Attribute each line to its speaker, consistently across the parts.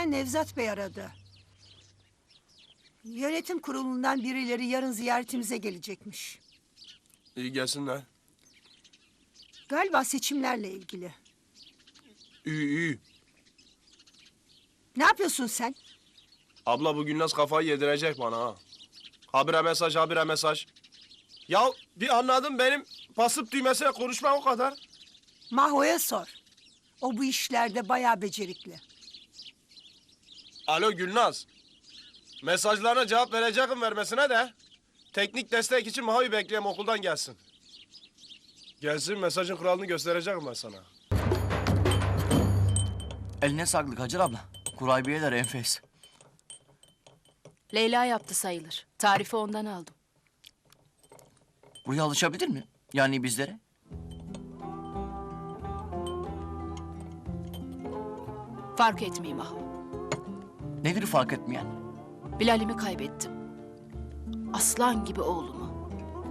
Speaker 1: Köyden Nevzat Bey aradı. Yönetim kurulundan birileri yarın ziyaretimize gelecekmiş.
Speaker 2: İyi gelsinler.
Speaker 1: Galiba seçimlerle ilgili.
Speaker 2: İyi.
Speaker 1: Ne yapıyorsun sen?
Speaker 2: Abla bugün nasıl kafayı yedirecek bana ha. Habire mesaj. Ya bir anladım benim basıp düğmesine konuşmam o kadar.
Speaker 1: Maho'ya sor. O bu işlerde bayağı becerikli.
Speaker 2: Alo Gülnaz. Mesajlarına cevap vereceğim vermesine de. Teknik destek için Maho'yu bekleyeyim okuldan gelsin. Gelsin mesajın kuralını göstereceğim ben sana.
Speaker 3: Eline sağlık Hacer abla. Kurabiyeler enfes.
Speaker 4: Leyla yaptı sayılır. Tarifi ondan aldım.
Speaker 3: Buraya alışabilir mi? Yani bizlere?
Speaker 4: Fark etmeyeyim ah.
Speaker 3: Nedir fark etmeyen?
Speaker 4: Bilal'imi kaybettim. Aslan gibi oğlumu.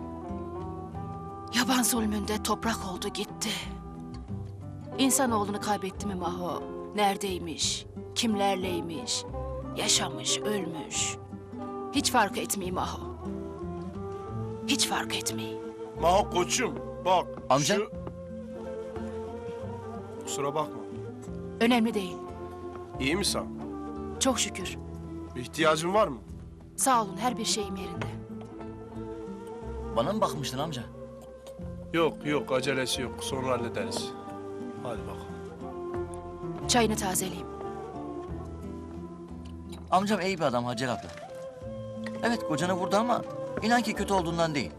Speaker 4: Yaban zulmünde toprak oldu gitti. İnsanoğlunu kaybetti mi Maho? Neredeymiş? Kimlerleymiş? Yaşamış, ölmüş. Hiç fark etmeyeyim Maho. Hiç fark etmeyeyim.
Speaker 2: Maho koçum bak.
Speaker 3: Amca?
Speaker 2: Kusura bakma.
Speaker 4: Önemli değil.
Speaker 2: İyi misin?
Speaker 4: Çok şükür.
Speaker 2: İhtiyacın var mı?
Speaker 4: Sağ olun, her bir şeyim yerinde.
Speaker 3: Bana mı bakmıştın amca?
Speaker 2: Yok acelesi yok. Sonra hallederiz. Hadi bakalım.
Speaker 4: Çayını tazeleyeyim.
Speaker 3: Amcam iyi bir adam Hacer abla. Evet kocanı vurdu ama inan ki kötü olduğundan değil.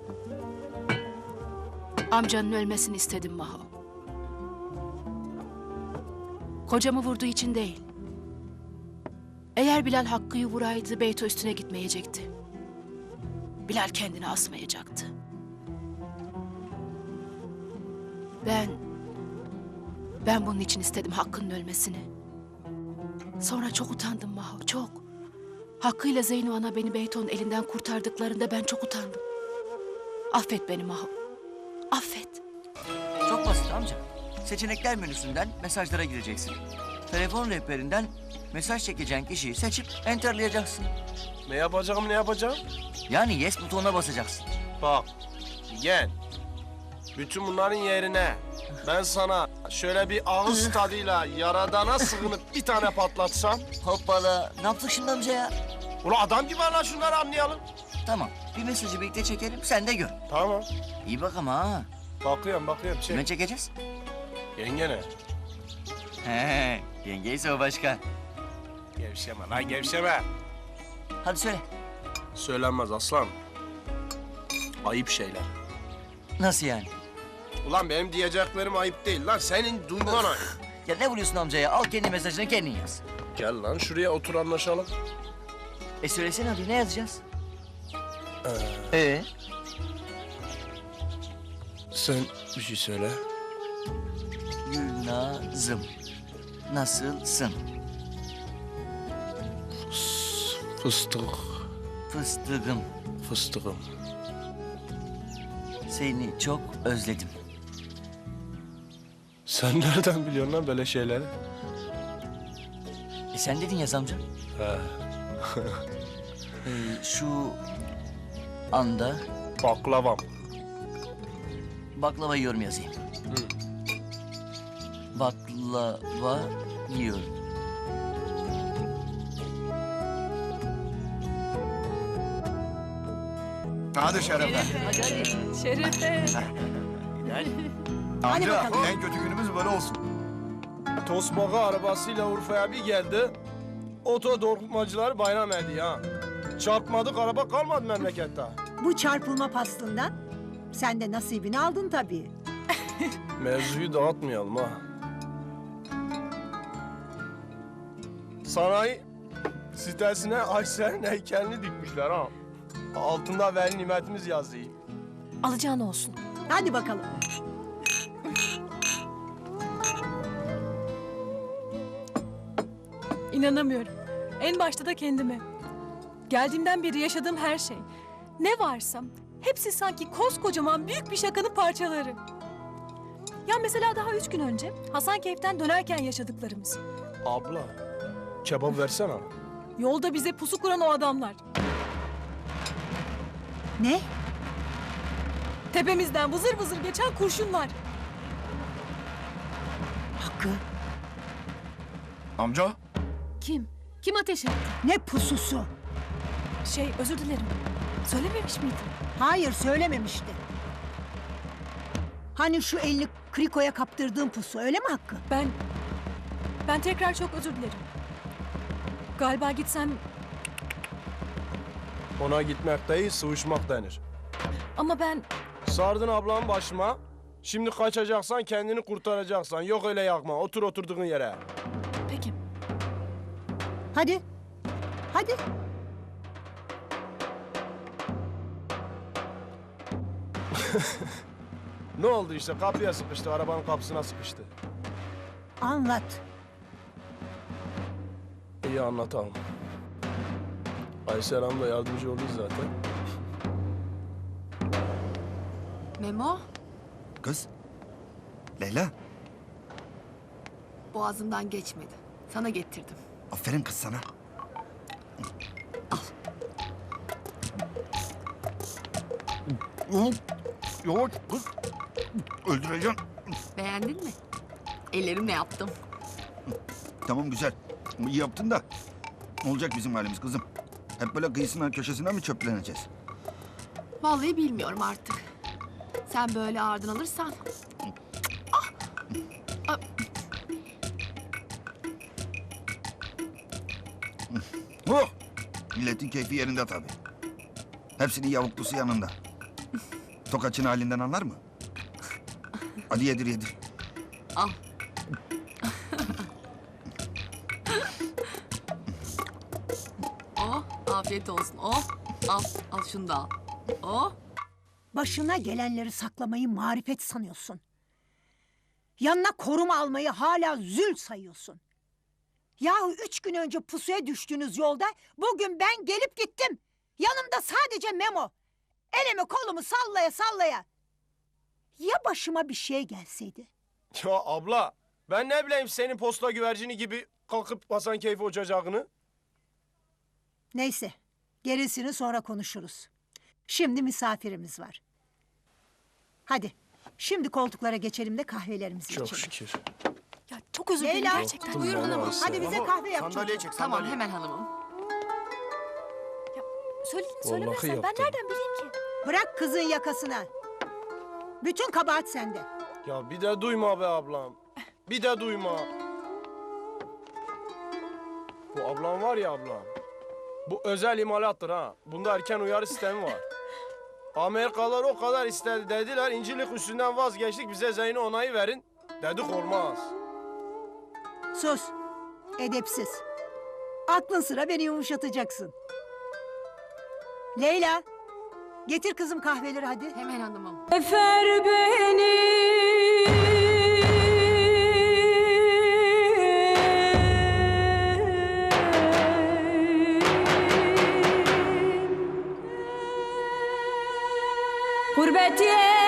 Speaker 4: Amcanın ölmesini istedim Maho. Kocamı vurduğu için değil. Eğer Bilal Hakkı'yı vuraydı Beyto üstüne gitmeyecekti. Bilal kendini asmayacaktı. Ben bunun için istedim Hakkı'nın ölmesini. Sonra çok utandım Maho, çok. Hakkı'yla Zeyno ana beni Beyto'nun elinden kurtardıklarında ben çok utandım. Affet beni Maho. Affet.
Speaker 3: Çok basit amca. Seçenekler menüsünden mesajlara gireceksin. Telefon rehberinden mesaj çekeceğin kişiyi seçip enterlayacaksın.
Speaker 2: Ne yapacağım?
Speaker 3: Yani yes butonuna basacaksın.
Speaker 2: Bak. Gel. Bütün bunların yerine ben sana şöyle bir ağız tadıyla yaradana sığınıp bir tane patlatsam.
Speaker 3: Hoppala. Ne yaptık şimdi amca ya?
Speaker 2: Ulan adam gibi anla şunları anlayalım.
Speaker 3: Tamam. Bir mesajı birlikte çekelim sen de gör.
Speaker 2: Tamam.
Speaker 3: İyi bak ama ha.
Speaker 2: Bakıyorum.
Speaker 3: Kime çekeceğiz?
Speaker 2: Yengene.
Speaker 3: He, yengeyse o başka.
Speaker 2: Gevşeme lan gevşeme.
Speaker 3: Hadi söyle.
Speaker 2: Söylenmez aslan. Ayıp şeyler.
Speaker 3: Nasıl yani?
Speaker 2: Ulan benim diyeceklerim ayıp değil lan. Senin duyman ayıp.
Speaker 3: Ya ne vuruyorsun amcaya? Al kendi mesajını kendin yaz.
Speaker 2: Gel lan şuraya otur anlaşalım.
Speaker 3: Söylesene hadi ne yazacağız?
Speaker 2: Sen bir şey söyle.
Speaker 3: Gülnazım. Nasılsın?
Speaker 2: Fıstık.
Speaker 3: Fıstığım.
Speaker 2: Fıstığım.
Speaker 3: Seni çok özledim.
Speaker 2: Sen nereden biliyorsun lan böyle şeyleri?
Speaker 3: Sen dedin yaz amca.
Speaker 2: He.
Speaker 3: Şu anda
Speaker 2: Baklavam.
Speaker 3: baklava yiyorum yazayım. Baklava yiyorum.
Speaker 5: Hadi Şerefe.
Speaker 4: Şerefe.
Speaker 5: Amca en kötü günümüz böyle olsun.
Speaker 2: Tosbağa arabasıyla Urfa'ya bir geldi. Oto dokumacılar bayram ediyor ha. Çarpmadık araba kalmadı memlekette.
Speaker 1: Bu çarpılma pastından sen de nasibini aldın tabii.
Speaker 2: Mevzuyu dağıtmayalım ha. Sanayi sitesine Ayşe'nin heykelini dikmişler ha. Altında veli nimetimiz yazıyor.
Speaker 4: Alacağın olsun.
Speaker 1: Hadi bakalım.
Speaker 6: İnanamıyorum. En başta da kendime. Geldiğimden beri yaşadığım her şey. Ne varsam hepsi sanki koskocaman büyük bir şakanın parçaları. Ya mesela daha 3 gün önce Hasankeyf'ten dönerken yaşadıklarımız.
Speaker 2: Abla, Kebap versene.
Speaker 6: Yolda bize pusu kuran o adamlar.
Speaker 1: Ne?
Speaker 6: Tepemizden vızır vızır geçen kurşunlar.
Speaker 1: Hakkı.
Speaker 5: Amca.
Speaker 4: Kim? Kim ateş etti?
Speaker 1: Ne pususu?
Speaker 6: Özür dilerim. Söylememiş miydin?
Speaker 1: Hayır söylememişti. Hani şu elini Kriko'ya kaptırdığın pusu öyle mi Hakkı?
Speaker 6: Ben tekrar çok özür dilerim. Galiba gitsem
Speaker 2: Ona gitmek değil, sıvışmak denir.
Speaker 6: ama ben
Speaker 2: Sardın ablamın başıma. Şimdi kaçacaksan kendini kurtaracaksan. Yok öyle yakma. Otur oturduğun yere.
Speaker 6: peki.
Speaker 1: Hadi. Hadi.
Speaker 2: Ne oldu işte? Kapıya sıkıştı. Arabanın kapısına sıkıştı.
Speaker 1: Anlat.
Speaker 2: İyi anlatalım. Aysel Hanım da yardımcı oldu zaten.
Speaker 7: Memo,
Speaker 5: Kız. Leyla.
Speaker 7: boğazımdan geçmedi. Sana getirdim.
Speaker 5: Aferin kız sana. Al. Yavaş kız. Öldüreceğim.
Speaker 7: Beğendin mi? Ellerimle yaptım.
Speaker 5: Tamam güzel. İyi yaptın da. Ne olacak bizim halimiz kızım? Hep böyle kıyısına köşesine mi çöpleneceğiz?
Speaker 7: Vallahi bilmiyorum artık. Sen böyle ağırdan alırsan.
Speaker 5: Oh! Milletin keyfi yerinde tabii. Hepsinin yavuklusu yanında. Tokaçın halinden anlar mı? Hadi yedir yedir.
Speaker 7: Al. Oh, afiyet olsun. Oh, al şunu da al. Oh,
Speaker 1: Başına gelenleri saklamayı marifet sanıyorsun. Yanına koruma almayı hala zül sayıyorsun. Yahu 3 gün önce pusuya düştüğünüz yolda bugün ben gelip gittim. Yanımda sadece Memo. Elimi kolumu sallaya sallaya. Ya başıma bir şey gelseydi?
Speaker 2: Ya abla, ben ne bileyim senin posta güvercini gibi kalkıp Hasan Keyfi uçacağını.
Speaker 1: Neyse, gerisini sonra konuşuruz. Şimdi misafirimiz var. Hadi, şimdi koltuklara geçelim de kahvelerimizi
Speaker 2: Çok
Speaker 1: içelim.
Speaker 2: şükür.
Speaker 6: Ya çok özür dilerim
Speaker 1: Leyla.
Speaker 6: gerçekten.
Speaker 7: buyur hanımım.
Speaker 1: Hadi bize kahve yap.
Speaker 5: Sandalye çek
Speaker 7: tamam
Speaker 5: sandalye.
Speaker 7: hemen hanımım.
Speaker 6: Söyledin
Speaker 2: Vallahi
Speaker 6: söylemezsen ben
Speaker 2: yaptım.
Speaker 6: nereden bileyim ki?
Speaker 1: Bırak kızın yakasına. Bütün kabahat sende.
Speaker 2: Ya bir de duyma be ablam. Bir de duyma. Bu ablam var ya ablam. Bu özel imalattır ha. Bunda erken uyarı sistemi var. Amerikalılar o kadar istedi dediler. İncilik üstünden vazgeçtik. Bize Zeyno onayı verin. Dedik olmaz.
Speaker 1: Sus, edepsiz. Aklın sıra beni yumuşatacaksın. Leyla, getir kızım kahveleri hadi.
Speaker 7: Hemen hanımım.
Speaker 6: Efer beni. Gurbet